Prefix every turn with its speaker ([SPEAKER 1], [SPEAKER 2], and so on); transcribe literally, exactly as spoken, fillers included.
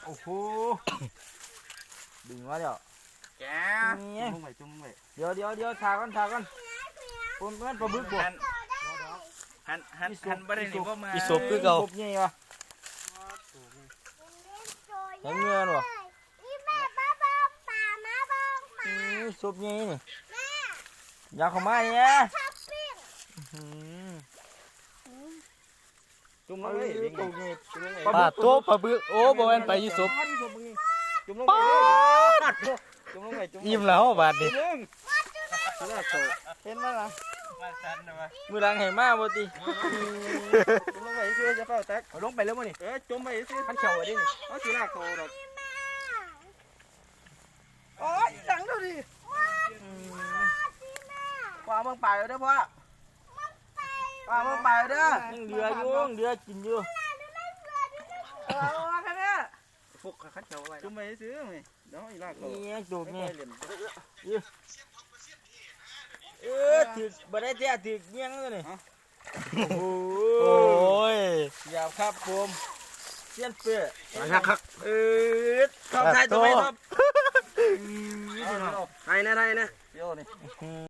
[SPEAKER 1] โอ้โหดึงมาเดี๋ยวแกจุ่มไปจุ่มไปเดี๋ยวเดี๋ยวเดี๋ยวทากันทากันผมเพื่อนปลาบึกบวกหันหันหันไปได้หนิพ่อมาอีศพคือเก่าศพใหญ่วะเห็นเงินวะศพใหญ่นี่อยากเข้ามาเนี่ยจุ่มลงไปปลาตัวปลาบึกโอ้บ่แม่นไปอีศพจุ่มลงไปจุ่มลงไปอิ่มแล้วบาดดิเห็นมั้ยล่ะมือล้างให้มาบ่ติจุ่มลงไปซื้อจะเฝ้าแตกเอาลงไปแล้วมั้ยนี่เออจุ่มไปซื้อพันเข่าไว้ดินี่เอาสิลากโตดอกโอ้ยหลังเด้อดิพ่อมึงไปเด้อพ่อพ่อมึงไปเด้อยังเดืออยู่เดือกินอยู่เออแค่นี้ฟุกขัดเข่าไว้จุ่มไปซื้อมั้ยเดี๋ยวอีลากโตนี่จุ่มนี่เออถือบ่ได้แท้ถือเงี้ยงเลยนี่โอ้ยอย่าครับผมเสี้ยนเปื้อครับเออเข้าไทยตัวไหนครับไทยนะไทยนะเดี๋ยวนี่